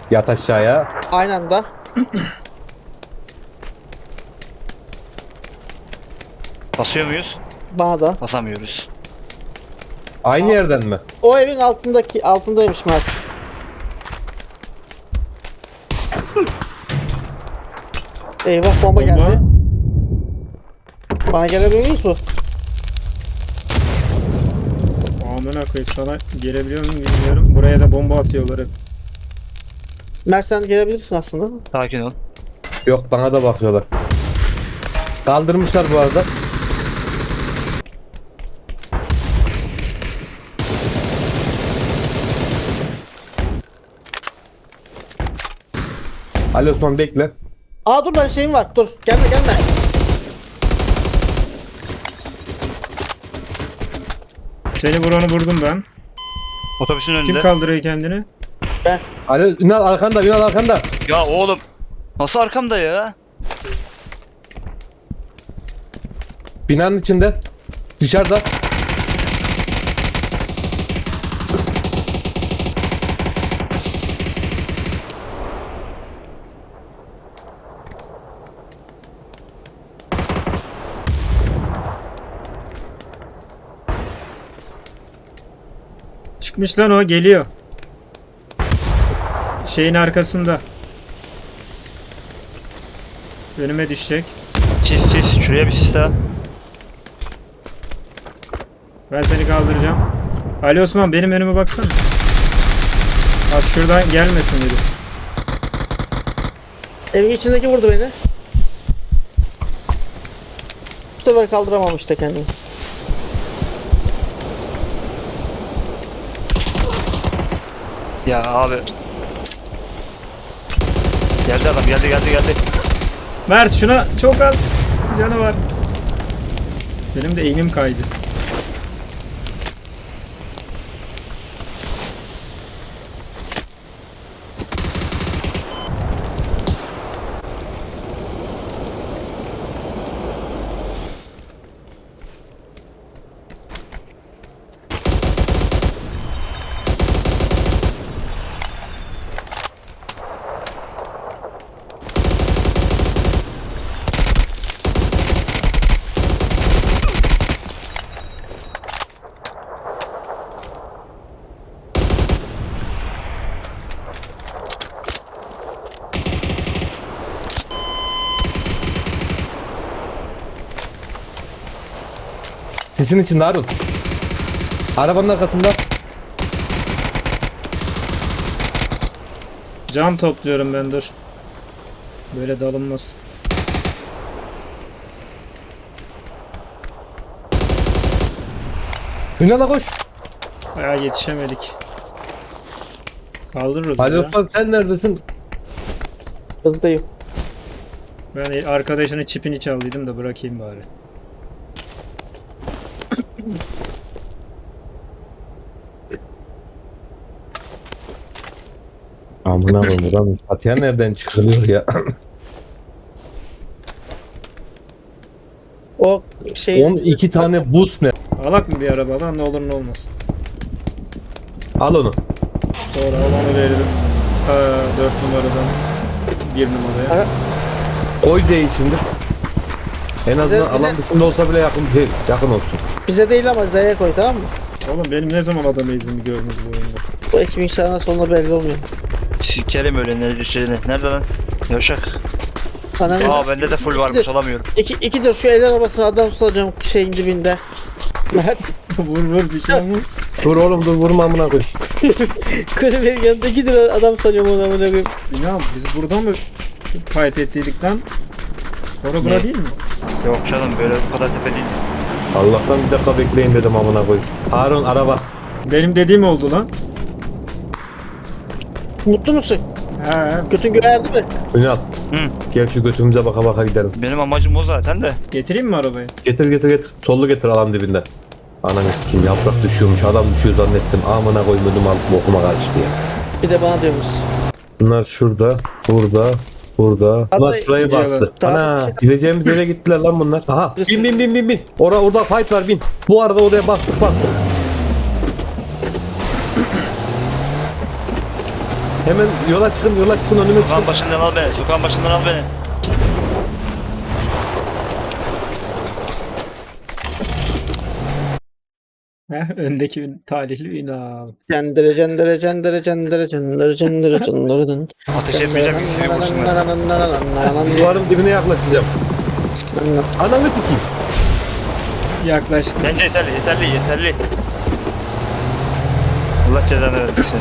Yat aşağıya. Aynı anda. Basıyor muyuz? Bana da. Basamıyoruz. Aynı yerden mi? O evin altındaymış Mert. Eyvah bomba geldi. Bana gelebiliyor musun mu? Amına koyayım, sana gelebiliyor muyum bilmiyorum. Buraya da bomba atıyorlar hep. Mert sen gelebilirsin aslında. Sakin ol. Yok, bana da bakıyorlar. Kaldırmışlar bu arada. Ali Osman bekle. Aa dur ben şeyim var. Dur gelme gelme. Seni vuranı vurdum ben. Otobüsün Kim önünde. kaldırıyor kendini? Ben. Ali Ünal arkanda, Ünal arkanda. Ya oğlum. Nasıl arkamda ya? Binanın içinde. Dışarıda. Çıkmış lan, o geliyor. Şeyin arkasında. Önüme düşecek. Sis. Şuraya bir sis daha. Ben seni kaldıracağım. Ali Osman, benim önüme baksana. Bak şuradan gelmesin dedi. Evin içindeki vurdu beni. Bu sefer kaldıramamış da kendini. Ya abi. Geldi adam, geldi. Mert, şuna çok az canı var. Benim de eğimim kaydı. Sisin içinde Harun. Arabanın arkasında. Cam topluyorum ben, dur. Böyle dalınmaz. Ünal'a koş. Bayağı yetişemedik. Kaldırırız Ali ya. Osman sen neredesin? Hızdayım. Ben arkadaşının çipini çaldıydım da bırakayım bari. Amına koyayım buradan Fatiha nereden çıkılıyor ya? O şey 12 tane buz ne? Alak mı bir araba lan, ne olur ne olmaz. Al onu. Doğru, alanı veririm. 4 numaradan 1 numaraya. Koy Z'yi şimdi. En azından Bize- alan dışında olsa bile yakın olsun. bize değil ama Z'ye koy tamam mı? Oğlum benim ne zaman adam izimi gördünüz bu oyunda? Bu ekibin sağına sonuna belli olmuyor. Sikerim öyle nerede lan? Yavşak. Anam. Aa bende de full varmış, alamıyorum. İkidir şu el arabasına adam tutacağım şeyin dibinde. Mert. Vur bir şey olmaz. Dur oğlum dur, vurma amına koy. Kulübenin yanında 2 lira adam sanıyorum ona amına koyayım. İnan biz burada mı fight ettiydik lan? Sonra bura Ne? değil mi? Yok canım, böyle bu kadar tepe değil. Allah'tan bir dakika bekleyin dedim amına koy. Harun araba. Benim dediğim oldu lan. Mutlu musun? He. Götün göğerdi mi? Ünal Hı. gel şu götümüze baka baka gidelim. Benim amacım o zaten de. Getireyim mi arabayı? Getir. Sollu getir alan dibinden. Ananı sikeyim, yaprak düşüyormuş, adam düşüyor zannettim. Amına koyayım, ödüm alıp bokuma karıştı ya. Bir de bana diyorsunuz. Bunlar şurada, burada. Bunlar Vallahi şurayı gidiyorlar. bastı. Saat Ana, bir şey- gideceğimiz yere gittiler lan bunlar. Aha, bin. Orada fight var, bin. Bu arada oraya bastık. Hemen yola çıkın önüme çıkın. Sokağın başından al beni. Sokağın başından al beni. Heh, öndeki talihli Ünal. Cendere cendere cendere cendere cendere cendere cendere. Ateş etmeyeceğim ki sizi vursunlar. Duvarın dibine yaklaşacağım. Ananı sikeyim. Yaklaştı. Bence yeterli. Allah cezanı versin.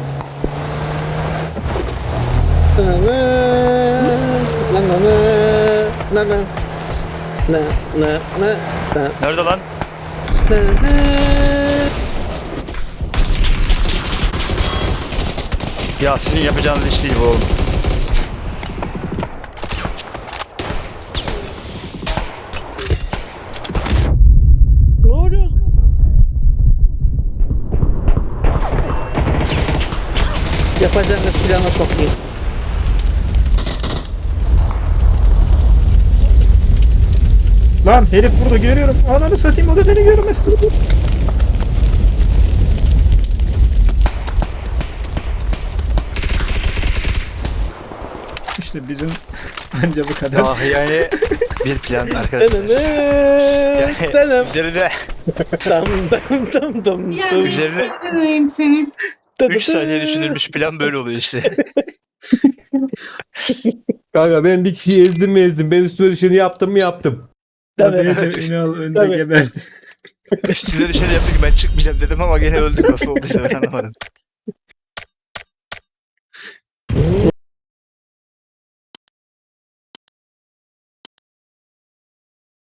Nerede lan? Ya sizin yapacağınız iş değil bu oğlum. Ne oluyor? Yapacağınız plana sokayım. Lan herif burada görüyorum. Ananı satayım, o da beni görmesin. İşte bizim anca bu kadar. Ah yani bir plan arkadaşlar. Üzerine Dam dam dam dam Ya dam. Üzerine- Üzerine seni. 3 saniye düşünülmüş plan böyle oluyor işte. Kanka ben bir kişiyi ezdim mi ezdim. Ben üstüme düşeni yaptım mı yaptım. Tabii. Beni de Ünal önde Tabii. geberdi. Size düşeni yaptı ki ben çıkmayacağım dedim ama gene öldük, nasıl olduysa ben anlamadım.